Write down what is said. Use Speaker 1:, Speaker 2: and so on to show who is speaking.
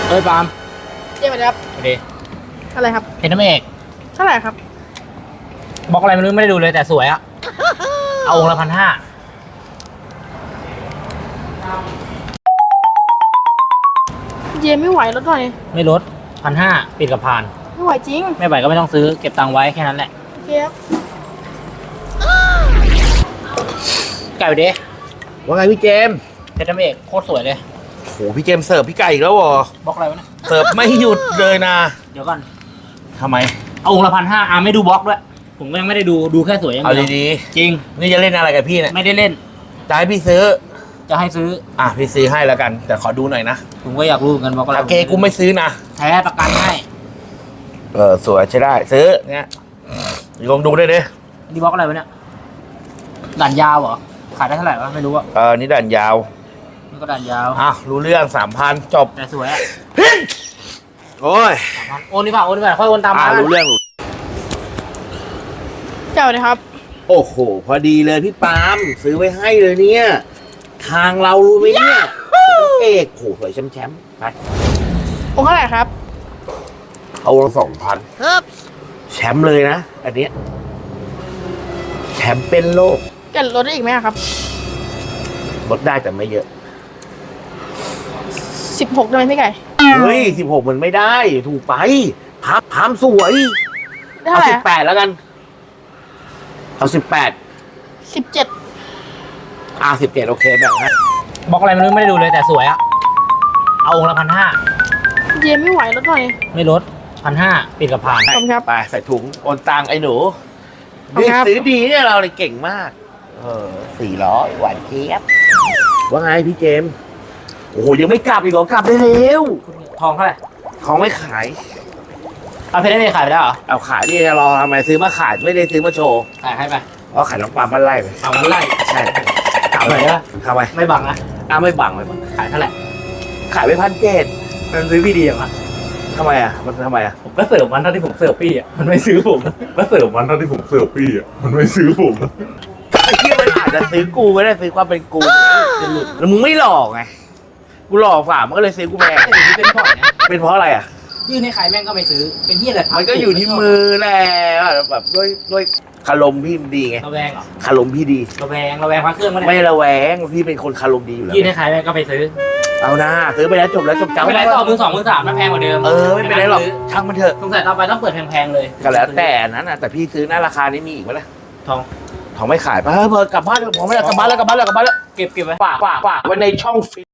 Speaker 1: เอ้ยปาล์ม
Speaker 2: เจ๊มาครับ
Speaker 1: สวัสดี
Speaker 2: อะไรครับ
Speaker 1: เห็นน้ำเอก
Speaker 2: เท่าไหร่ครับ
Speaker 1: บล็อกอะไรไม่รู้ไม่ได้ดูเลยแต่สวยอะเอาองค์ละ1,500
Speaker 2: เจ๊ไม่ไหวลดหน่อย
Speaker 1: ไม่ลด1,500ปิดกับผ่าน
Speaker 2: ไม่ไหวจริง
Speaker 1: ไม่ไหวก็ไม่ต้องซื้อเก็บตังค์ไว้แค่นั้นแหละ
Speaker 2: โอเคครับ
Speaker 1: ไก่ไปดิ
Speaker 3: ว่าไงพี่เจมส์
Speaker 1: เห็นน้ำเอกโคตรสวยเลย
Speaker 3: โหพี่เจมส์เสิร์ฟพี่ไก่อีกแล้วเหรอบ
Speaker 1: ล็อกอะไรวะเนี่ย
Speaker 3: เสิร์ฟไม่หยุดเลยนะ
Speaker 1: เดี๋ยวก่อน
Speaker 3: ทำไม
Speaker 1: เอาองค์ละ1,500ไม่ดูบล็อกด้วยผมก็ยังไม่ได้ดูแค่สวยอย่าง
Speaker 3: เอา
Speaker 1: เดียว
Speaker 3: ดี
Speaker 1: จริง
Speaker 3: นี่จะเล่นอะไรกับพี่เนี่ย
Speaker 1: ไม่ได้เล่น
Speaker 3: จะให้พี่ซื้อ
Speaker 1: จะให้ซื้อ
Speaker 3: พี่ซื้อให้แล้วกันแต่ขอดูหน่อยนะ
Speaker 1: ผมก็อยากรู้เหมือนกันบล็อกอะไร
Speaker 3: โอเคกูไม่ซื้อนะ
Speaker 1: แท้ประกันให้
Speaker 3: สวยใช้ได้ซื้อเนี่ยลองดูได้ดิ
Speaker 1: นี่บล็อกอะไรวะเนี่ยด่านยาวเหรอขายได้เท่าไหร่วะไม่รู้อะ
Speaker 3: นี่ด่านยาว
Speaker 1: นี่ก็ด่านยาว
Speaker 3: รู้เรื่อง3,000จบ
Speaker 1: แต่สวยอะ
Speaker 3: โอ้ย
Speaker 1: 3,000โอนนี่ป่ะค่อยโอนตามมา
Speaker 3: รู้เรื่อง
Speaker 2: เจ้าเลยครับ
Speaker 3: โอ้โหพอดีเลยพี่ปาล์มซื้อไว้ให้เลยเนี่ยทางเรารู้ไหมเนี่ยเอกโหสวยแชมป์ไป
Speaker 2: องค์เท่าไหร่ครับ
Speaker 3: เอาละ2,000แชมป์เลยนะอันเนี้ยแชมป์เป็นโลก
Speaker 2: จะลดได้อีกไหมครับ
Speaker 3: ลดได้แต่ไม่เยอะ
Speaker 2: 16ได้ไหมพี่ไก่
Speaker 3: เฮ้ย16มันไม่ได้ถูกไปพามสวยเอา18แล้วกันเอา18
Speaker 2: 17
Speaker 3: 17โอเคแบบนั้น
Speaker 1: บล็อกอะไรไม่รู้ไม่ได้ดูเลยแต่สวยอะเอาองค์ละ1,500
Speaker 2: เจ๊ไม่ไหวลดหน่อย
Speaker 1: ไม่ลด1,500ปิดกับผ่าน
Speaker 2: ขอบคุณครับ
Speaker 3: ไปใส่ถุงโอนตังไอ้หนูนี่ซื้อดีเนี่ยเราเลยเก่งมาก400หวานเจี๊ยบว่าไงพี่เจมส์โอ้โหยังไม่กลับอีกเหรอกลับได้เร็ว
Speaker 1: ทองเท่าไหร่
Speaker 3: ของไม่ขาย
Speaker 1: เอาเพชรไม่ขายไปแล้วเหรอ
Speaker 3: เอาขายนี่จะรอทำไมซื้อมาขายไม่ได้ซื้อมาโชว์
Speaker 1: ขายให้ไป
Speaker 3: เพราะขายน้องปลาบ้านไร่ไป
Speaker 1: เอาบ้านไร่
Speaker 3: ใช่
Speaker 1: เอาไปนะ
Speaker 3: ทำไม
Speaker 1: ไม่บังนะ
Speaker 3: ไม่บังไม่บัง
Speaker 1: ขายเท่าไหร่
Speaker 3: ขายไป1,700
Speaker 1: มันซื้อพี่ดีอย่างวะ
Speaker 3: ทำไมมันทำไม
Speaker 1: ผมก็เสิร์ฟมันเท่าที่ผมเสิร์ฟพี่อ่ะมันไม่ซื้อผม
Speaker 3: ก็เสิร์ฟมันเท่าที่ผมเสิร์ฟพี่อ่ะมันไม่ซื้อผมไอ้ที่มันอาจจะซื้อกูก็ได้ซื้อความเป็นกูจะหลุดแล้วมึงไม่หลอกไงกูหลอกฝ่ามันก็เลยซื้อกูแพง
Speaker 1: เป็นเพราะ
Speaker 3: เป็นเพราะอะไรอ่ะ
Speaker 1: ยื่นให้ใครแม่งก็ไม่ซื้อเป็นที่อะไร
Speaker 3: มันก็อยู่ที่มือแหละแบบด้วยคารมพี่ดีไง
Speaker 1: ระแวงเหรอ
Speaker 3: คารมพี่ดี
Speaker 1: ระแวงพระเครื่อง
Speaker 3: ไม่ระแวงพี่เป็นคนคารมดีอยู่แล้ว
Speaker 1: ยื่นให้ใครแม่งก็ไปซื้อ
Speaker 3: เอานะซื้อไปแล้วจบแล้วจบเจ้า
Speaker 1: ไม่เป็นไรต่อมือ2มือ3มันแพงกว่าเดิม
Speaker 3: ไม่เป็นไรหรอกช่างมันเถอะ
Speaker 1: สงสัยต่อไปต้องเปิดแพงๆเลย
Speaker 3: ก็แล้วแต่นั้นนะแต่พี่ซื้อหน้าราคานี้มีอีกไหมล่ะ
Speaker 1: ทอง
Speaker 3: ไม่ขายเพอกลับบ้านผมไม่กลับบ้านแล้วเก็บไว้
Speaker 1: ฝาก
Speaker 3: ไว้ในช่องฟิต